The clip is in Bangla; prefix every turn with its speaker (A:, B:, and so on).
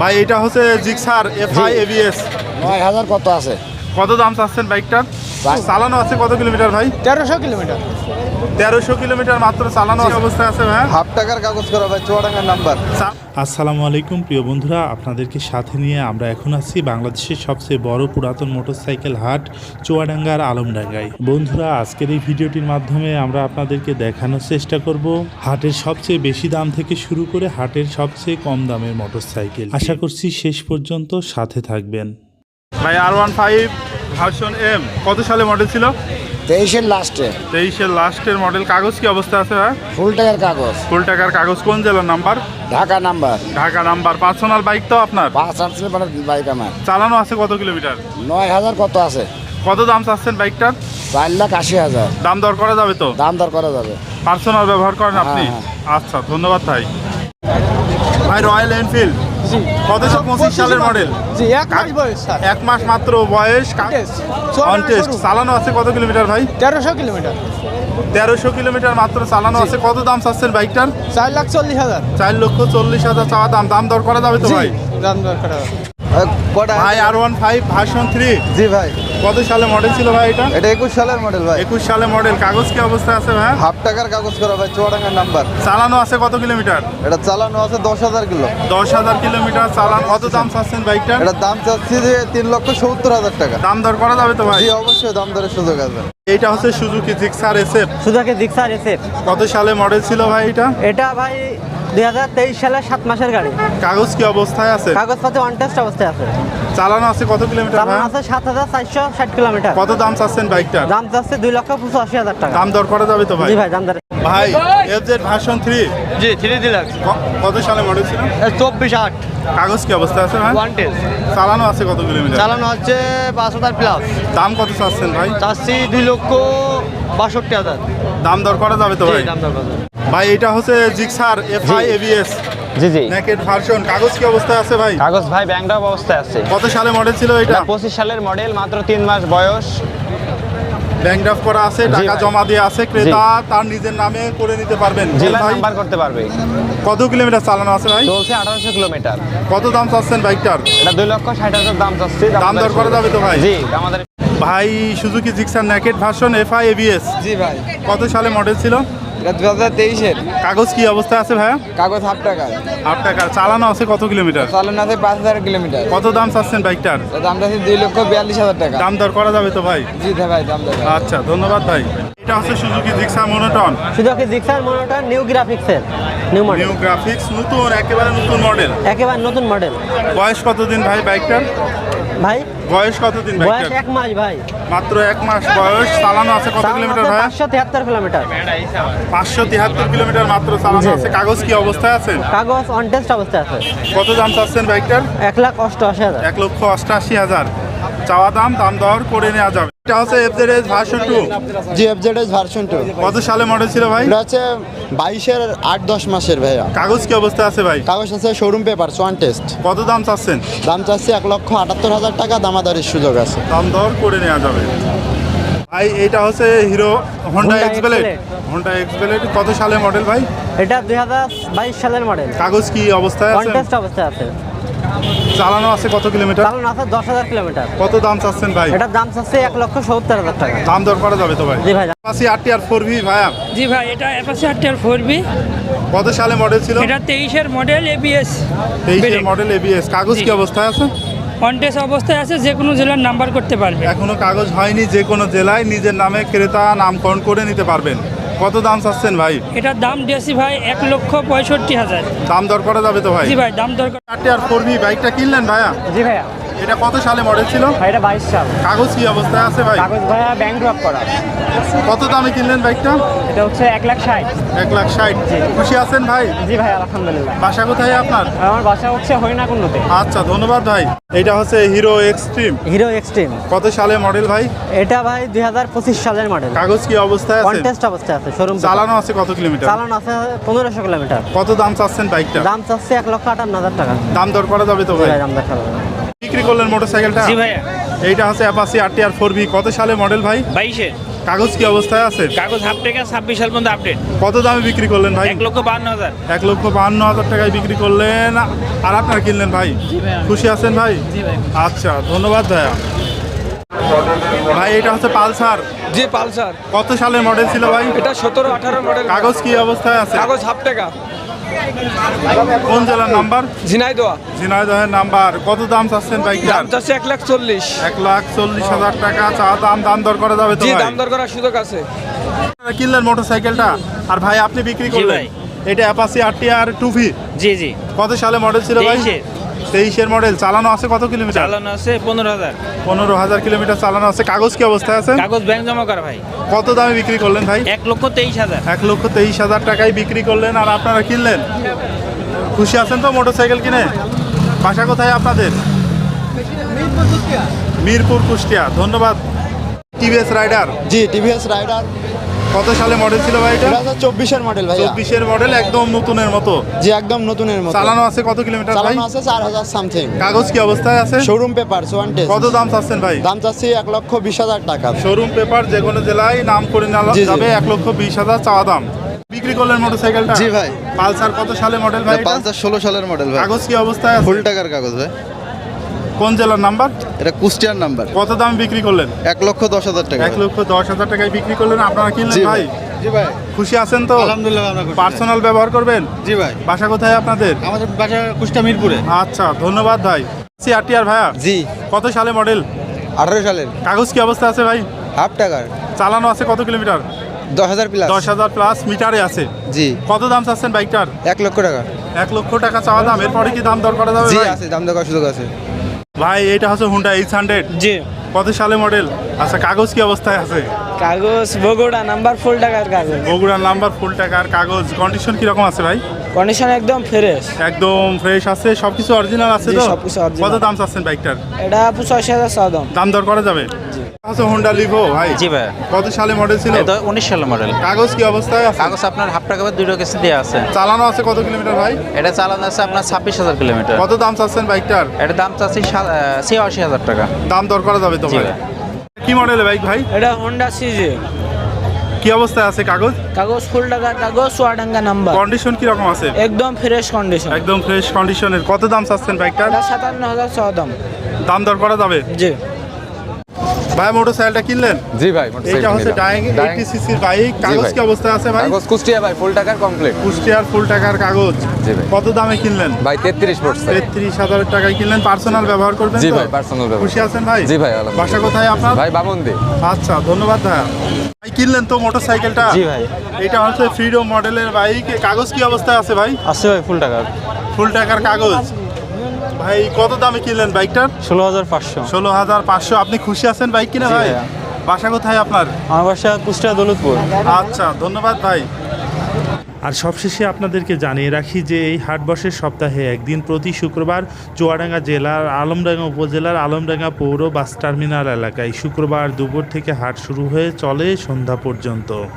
A: ভাই এটা হচ্ছে জিক্সার এফআই এবিএস
B: 9000 কত আছে?
A: কত দাম চাচ্ছেন বাইকটার? চালানো আছে কত কিলোমিটার ভাই?
B: 1300 কিলোমিটার।
A: 1300 কিলোমিটার মাত্র চালানো অবস্থায় আছে ভাই।
C: হাফ টাকার কাগজ করা ভাই, চুয়াডাঙ্গার নাম্বার।
D: আসসালামু আলাইকুম প্রিয় বন্ধুরা, আপনাদেরকে সাথে নিয়ে আমরা এখন আছি বাংলাদেশের সবচেয়ে বড় পুরাতন মোটরসাইকেল হাট চুয়াডাঙ্গার আলমডাঙ্গায়। বন্ধুরা, আজকের এই ভিডিওটির মাধ্যমে আমরা আপনাদেরকে দেখানোর চেষ্টা করব হাটের সবচেয়ে বেশি দাম থেকে শুরু করে হাটের সবচেয়ে কম দামের মোটরসাইকেল। আশা করছি শেষ পর্যন্ত সাথে থাকবেন।
A: ভাই R15 ভার্সন এম কত সালে মডেল ছিল?
B: 23-এর লাস্টে।
A: 23-এর লাস্টের মডেল। কাগজ কি অবস্থা আছে ভাই?
B: ফুল টাকার কাগজ।
A: ফুল টাকার কাগজ। কোন জেলার number?
B: Dhaka number.
A: Dhaka number. Personal bike তো আপনার?
B: 5 আসলে মানে বাইক আমার।
A: চালানো আছে কত কিলোমিটার?
B: 9000 কত আছে?
A: কত দাম চাচ্ছেন বাইকটার?
B: 4,80,000।
A: দাম দর করা যাবে তো?
B: দাম দর করা যাবে।
A: পার্সোনাল ব্যবহার করেন আপনি?
B: হ্যাঁ।
A: আচ্ছা, ধন্যবাদ ভাই। ভাই রয়্যাল এনফিল্ড কত 25 সালের মডেল?
B: জি, 1 মাস বয়স স্যার।
A: 1 মাস মাত্র বয়স। On test. চালানো আছে কত কিলোমিটার ভাই?
B: 1300 কিলোমিটার।
A: 1300 কিলোমিটার মাত্র চালানো আছে। কত দাম চাচ্ছেন বাইকটার?
B: 4,40,000।
A: 4,40,000 চাওয়া দাম। দাম দর করা যাবে তো ভাই?
B: দাম দর করা যাবে।
A: ভাই R15 ভার্সন 3
C: জি ভাই,
A: কত সালে মডেল ছিল ভাই এটা?
C: এটা 21 সালের মডেল ভাই।
A: 21 সালে মডেল। কাগজ কি অবস্থায় আছে ভাই?
C: হাফ টাকার কাগজ করা ভাই, চুয়াডাঙ্গার নাম্বার।
A: চালানো আছে কত কিলোমিটার?
C: এটা চালানো আছে 10,000 কিলো।
A: 10,000 কিলোমিটার চালানো। কত দাম চাচ্ছেন বাইকটার?
C: এটার দাম চাচ্ছি যে 3,70,000 টাকা।
A: দাম দর করা যাবে তো ভাই?
C: জি অবশ্যই, দাম দরের সুযোগ আছে।
A: এইটা হচ্ছে Suzuki Gixxer SF
E: Suzuki Gixxer SF.
A: কত সালে মডেল ছিল ভাই এটা?
E: এটা ভাই 2023 সালের 7 মাসের গাড়ি।
A: কাগজ কি অবস্থায় আছে?
E: কাগজপত্র অন টেস্ট অবস্থায় আছে।
A: চালানো আছে কত কিলোমিটার ভাই?
E: চালানো আছে 7460 কিলোমিটার।
A: কত দাম চাচ্ছেন বাইকটার?
E: দাম চাচ্ছে 2,85,000 টাকা।
A: দাম দর করা যাবে তো ভাই?
E: জি ভাই, দাম দর।
A: ভাই এফজেড ভার্সন 3
B: জি, 3 ডিলাক্স।
A: কত সালে মডেল ছিল?
B: 24/8
A: কাগজ কি অবস্থায় আছে ভাই?
B: One test.
A: চালানো আছে কত কিলোমিটার?
B: চালানো হচ্ছে 5,000 প্লাস।
A: দাম কত চাচ্ছেন ভাই?
B: চাচ্ছি 2,62,000।
A: দাম দর করা যাবে তো ভাই?
B: দাম দর করা যাবে।
A: ভাই এটা হচ্ছে জিক্সার এফআই এবিএস
F: জি জি,
A: নেকেড ভার্সন। কাগজ কি অবস্থায় আছে ভাই?
F: কাগজ ভাই ব্যাংকড্রপ অবস্থায় আছে।
A: কত সালে মডেল ছিল এটা?
F: 25 সালের মডেল, মাত্র 3 মাস বয়স।
A: ব্যাংক ড্রাফট করা আছে, টাকা
F: ভাই।
A: জমা দিয়ে আছে, ক্রেতা তার নিজের নামে করে নিতে পারবেন।
F: জেলা
A: ভাই
F: নাম্বার করতে পারবে।
A: কত কিলোমিটার চালানো আছে ভাই?
F: চলছে 1800 কিলোমিটার।
A: কত দাম চাচ্ছেন বাইকটার?
F: এটা 2,60,000 দাম চাচ্ছে।
A: দাম দর করা যাবে তো ভাই?
F: জি, আমাদের
A: ভাই Suzuki Gixxer naked version FI ABS
B: জি ভাই,
A: কত সালে মডেল ছিল?
B: এটা 2023-এর।
A: কাগজ কি অবস্থায় আছে ভাই?
B: কাগজ হাফ টাকা।
A: 8 টাকা। চালানো আছে কত কিলোমিটার?
B: চালানো আছে 5,000 কিলোমিটার।
A: কত দাম চাচ্ছেন বাইকটার?
B: দাম আছে 2,42,000 টাকা।
A: দাম দর করা যাবে তো ভাই?
B: জি ভাই, দাম দর।
A: আচ্ছা, ধন্যবাদ ভাই। এটা হচ্ছে Suzuki Gixxer monotone
E: Suzuki Gixxer monotone new গ্রাফিক্সের নিউ মডেল।
A: নিউ গ্রাফিক্স, নতুন, একেবারে নতুন মডেল।
E: একেবারে নতুন মডেল।
A: বয়স কতদিন ভাই বাইকটার?
E: ভাই
A: বয়স কতদিন
E: বয়স
A: বাইকটার?
E: 1 মাস ভাই।
A: মাত্র 1 মাস বয়স। চালানো আছে কত কিলোমিটার ভাই?
E: 573 কিলোমিটার।
A: 573 কিলোমিটার মাত্র চালানো আছে। কাগজ কি অবস্থায় আছে?
E: কাগজ অন টেস্ট অবস্থায় আছে।
A: কত দাম চাচ্ছেন বাইকটার?
E: 1,88,000।
A: 1,88,000 চাওয়া দাম। দাম দর করে নেওয়া যাবে। এটা হচ্ছে এফজেড ভার্সন 2
C: জি, এফজেড ভার্সন 2।
A: কত সালে মডেল ছিল ভাই?
C: এটা হচ্ছে 22-এর 8-10 মাসের ভাইয়া।
A: কাগজ কি অবস্থায় আছে ভাই?
C: কাগজ আছে শোরুম পেপার, ওয়ান টেস্ট।
A: কত দাম চাচ্ছেন?
C: দাম চাচ্ছি 1,78,000 টাকা, দামাদারির সুযোগ আছে।
A: দাম দর করে নেওয়া যাবে। ভাই এটা হচ্ছে Hero Honda
E: Honda
A: X Blade.
E: X-Blade।
A: Honda X Blade কত সালে মডেল ভাই?
E: এটা 2022 সালের মডেল।
A: কাগজ কি অবস্থায়
E: অন
A: আছে?
E: টেস্ট অবস্থায় আছে।
A: চালানো আছে কত কিলোমিটার?
E: চালানো আছে 10,000 কিলোমিটার।
A: কত দাম চাচ্ছেন ভাই?
E: এটার দাম চাচ্ছে 1,70,000 টাকা।
A: দাম দর করা যাবে তো ভাই?
E: জি ভাই।
A: আশি RTR 4V ভাইয়া
G: জি ভাই, এটা অ্যাপাচি RTR 4V।
A: কত সালে মডেল ছিল?
G: এটা 23-এর মডেল, ABS
A: 23-এর মডেল ABS। কাগজ কি অবস্থায় আছে?
G: কন্টেস্ট অবস্থায় আছে, যে কোনো জেলার নাম্বার করতে পারবে।
A: এখনো কাগজ হয়নি। যে কোনো জেলায় নিজের নামে ক্রেতা নামকরণ করে নিতে পারবেন। কত দাম চাচ্ছেন ভাই?
G: এটার দাম দিয়েছি ভাই 1,65,000।
A: দাম দর করা যাবে তো ভাই?
G: জি ভাই, দাম দরকার।
A: RTR 4V বাইকটা কিনলেন ভাইয়া?
E: জি ভাইয়া।
A: এটা কত সালে মডেল ছিল?
E: ভাই এটা 22 সাল।
A: কাগজ কি অবস্থায় আছে ভাই?
E: কাগজ ভাইয়া ব্যাংক ড্রপ করা।
A: কত দামে কিনলেন বাইকটা?
E: এটা হচ্ছে 1,60,000।
A: 1,60,000। খুশি আছেন ভাই?
E: জি ভাই, আলহামদুলিল্লাহ।
A: বাসা কোথায় আপনার?
E: আমার বাসা হচ্ছে হরিণাকুণ্ডুতে।
A: আচ্ছা, ধন্যবাদ ভাই। এটা হচ্ছে হিরো এক্সট্রিম।
E: Hero extreme.
A: কত সালে মডেল ভাই?
E: এটা ভাই 2025 সালের মডেল।
A: কাগজ কি অবস্থায় আছে?
E: কন্টেস্ট অবস্থায় আছে, শোরুম
A: চালানো আছে কত কিলোমিটার?
E: চালানো আছে 1,500 কিলোমিটার।
A: কত দাম চাচ্ছেন বাইকটা?
E: দাম চাচ্ছে 1,58,000 টাকা।
A: দাম দর করা যাবে তো
E: জি
A: ভাই?
E: ভাই, দাম দেখা যাবে।
A: বিক্রি করলেন মোটরসাইকেলটা?
G: জি ভাইয়া,
A: এইটা হচ্ছে অ্যাপাচি RTR 4V। কত সালে মডেল ভাই?
G: 22-এর।
A: কাগজ কি অবস্থায় আছে?
H: কাগজ হাফ টাকা 26 সাল পর্যন্ত আপডেট।
A: কত দামে বিক্রি করলেন ভাই?
H: 1,52,000।
A: 1,52,000 টাকায় বিক্রি করলেন। আর আপনার কিনলেন ভাই? খুশি আছেন ভাই? আচ্ছা, ধন্যবাদ ভাইয়া। ভাই এটা হচ্ছে পালসার।
B: জি পালসার,
A: কত সালের মডেল ছিল ভাই?
B: এটা 17-18 মডেল।
A: কাগজ কি অবস্থায় আছে?
B: কাগজ হাফ টাকা।
A: কোন জেলার নাম্বার?
B: ঝিনাইদহ।
A: ঝিনাইদহের নাম্বার। কত দাম চাচ্ছেন বাইকটার?
B: দাম চাচ্ছে 1,40,000।
A: 1,40,000 টাকা চা দাম। দাম দর করা যাবে তো
B: জি
A: ভাই?
B: দাম দর করার সুযোগ আছে।
A: কিনলেন মোটরসাইকেলটা, আর ভাই আপনি বিক্রি করলেন
H: ভাই।
A: এটা অ্যাপাচি RTR 2V।
H: জি জি।
A: কত সালে মডেল ছিল ভাই? 23-এর মডেল। চালানো আছে কত কিলোমিটার?
H: চালানো আছে 15,000।
A: 15,000 কিলোমিটার চালানো আছে। কাগজ কি অবস্থায় আছে?
H: কাগজ ব্যাংক জমা করা ভাই।
A: কত দামে বিক্রি করলেন ভাই?
H: 1,23,000।
A: 1,23,000 টাকায় বিক্রি করলেন। আর আপনারা কিনলেন? খুশি আছেন তো মোটরসাইকেল কিনে? বাসা কোথায় আপনাদের? মিরপুর, কুষ্টিয়া। ধন্যবাদ। TVS Raider.
C: জি টিভিএস রাইডার।
A: কত সালে মডেল ছিল ভাই এটা?
C: এটা হচ্ছে 24-এর মডেল ভাই।
A: 24-এর মডেল, একদম নতুনের মতো।
C: জি একদম নতুনের মতো।
A: চালানো আছে কত কিলোমিটার ভাই?
C: চালানো আছে 4,000 সামথিং।
A: কাগজ কি অবস্থায় আছে?
C: Showroom paper one test.
A: কত দাম চাচ্ছেন ভাই?
C: দাম চাচ্ছি 1,20,000 টাকা।
A: শোরুম পেপার, যে কোনো জেলায় নাম করে নেওয়া
C: জি, জি।
A: যাবে। 1,20,000 চাওয়া দাম। বিক্রি করলেন মোটরসাইকেলটা?
C: জি ভাই।
A: পালসার কত সালে মডেল ভাই এটা?
C: পালসার 16 সালের মডেল ভাই।
A: কাগজ কি অবস্থায় আছে?
C: ফুল টাকার কাগজ ভাই।
A: কোন জেলার নাম্বার?
C: এটা কুষ্টিয়ার নাম্বার।
A: কত দাম বিক্রি করলেন?
C: 1,10,000 টাকা।
A: 1,10,000 টাকায় বিক্রি করলেন। আপনারা কিনলেন
C: জি
A: ভাই?
C: জি ভাই।
A: খুশি আছেন তো?
C: আলহামদুলিল্লাহ আমরা খুশি।
A: পার্সোনাল ব্যবহার করবেন?
C: জি ভাই।
A: বাসা কোথায় আপনাদের?
C: আমাদের বাসা কুষ্টিয়া মিরপুরে।
A: আচ্ছা, ধন্যবাদ ভাই। RTR ভাইয়া
B: জি
A: কত সালে মডেল?
B: 18 সালের।
A: কাগজ কি অবস্থা আছে ভাই?
B: হাফ টাকার।
A: চালানো আছে কত কিলোমিটার?
B: 10,000 প্লাস।
A: 10,000 প্লাস মিটারে আছে।
B: জি
A: কত দাম চাচ্ছেন বাইকটার?
B: 1 লক্ষ টাকা।
A: 1 লক্ষ টাকা চাওয়া দাম। এরপরে কি দাম দর করা যাবে
B: জি
A: ভাই?
B: আছে, দাম দর করার সুযোগ আছে।
A: ভাই এটা হচ্ছে হুন্ডা H100।
H: জি।
A: কত সালে মডেল? আচ্ছা, কাগজ কি অবস্থায় আছে?
H: কাগজ বগুড়া নাম্বার ফুল টাকার কাগজ।
A: বগুড়ার নাম্বার, ফুল টাকার কাগজ। কন্ডিশন কি রকম আছে ভাই?
H: কন্ডিশন একদম ফ্রেশ।
A: একদম ফ্রেশ আছে, সবকিছু অরিজিনাল আছে
H: জি,
A: তো?
H: সবকিছু original।
A: কত দাম চাচ্ছেন বাইকটার?
H: এটা 85,000 চাওয়া দাম।
A: দাম দর করা যাবে? আচ্ছা, হুন্ডা লিভো ভাই।
I: জি ভাই,
A: কত সালে মডেল ছিল?
I: এটা 19 সালের মডেল।
A: কাগজ কি অবস্থায় আছে?
I: কাগজ আপনার হাফ টাকা বা 2 কেসি দেওয়া আছে।
A: চালানো আছে কত কিলোমিটার ভাই?
I: এটা চালানো আছে আপনার 26,000 কিলোমিটার।
A: কত দাম চাচ্ছেন বাইকটার?
I: এটা দাম চাচ্ছি 86,000 টাকা।
A: দাম দর করা যাবে তো
I: জি
A: ভাই?
I: ভাই।
A: কি মডেলের বাইক ভাই?
H: এটা হোন্ডা সিজি।
A: কি অবস্থায় আছে কাগজ?
H: কাগজ ফুল টাকার কাগজ, চুয়াডাঙ্গা নাম্বার।
A: কন্ডিশন কি রকম আছে?
H: একদম ফ্রেশ কন্ডিশন।
A: একদম ফ্রেশ কন্ডিশনের। কত দাম চাচ্ছেন বাইকটার?
H: এটা 57,000 চাওয়া দাম।
A: দাম দর করা যাবে?
H: জি।
A: ভাই মোটরসাইকেলটা কিনলেন?
B: জি ভাই।
A: এটা হচ্ছে ডাইং 80 সিসির বাইক। কাগজ কি অবস্থায় আছে ভাই?
B: কাগজ কুষ্টিয়া ভাই, ফুল টাকার কমপ্লিট।
A: কুষ্টিয়ার ফুল টাকার কাগজ।
B: জি ভাই।
A: কত দামে কিনলেন?
B: ভাই 33 পড়ছে।
A: 33,000 টাকায় কিনলেন। পার্সোনাল ব্যবহার করবেন
B: জি
A: তো?
B: ভাই, পার্সোনাল ব্যবহার।
A: খুশি আছেন ভাই?
B: জি ভাই, আলহামদুলিল্লাহ।
A: বাসা কোথায় আপনার?
B: ভাই বামন্দি।
A: আচ্ছা, ধন্যবাদ ভাইয়া। ভাই কিনলেন তো মোটরসাইকেলটা?
E: জি ভাই।
A: এটা হচ্ছে ফ্রিডম মডেলের বাইক। কাগজ কি অবস্থায় আছে ভাই?
E: আছে ভাই ফুল টাকার।
A: ফুল টাকার কাগজ। ভাই কত দামে কিনলেন বাইকটার?
E: 16,500।
A: 16,500। আপনি খুশি আছেন বাইক কিনে ভাই?
E: ভাইয়া।
A: বাসা কোথায় আপনার?
E: আমার বাসা কুষ্টিয়া দৌলতপুর।
A: আচ্ছা, ধন্যবাদ ভাই।
D: আর সবশেষে আপনাদেরকে জানিয়ে রাখি যে এই হাট বসে সপ্তাহে একদিন, প্রতি শুক্রবার চুয়াডাঙ্গা জেলার আলমডাঙ্গা উপজেলার আলমডাঙ্গা পৌর বাস টার্মিনাল এলাকায়। শুক্রবার দুপুর থেকে হাট শুরু হয়ে চলে সন্ধ্যা পর্যন্ত।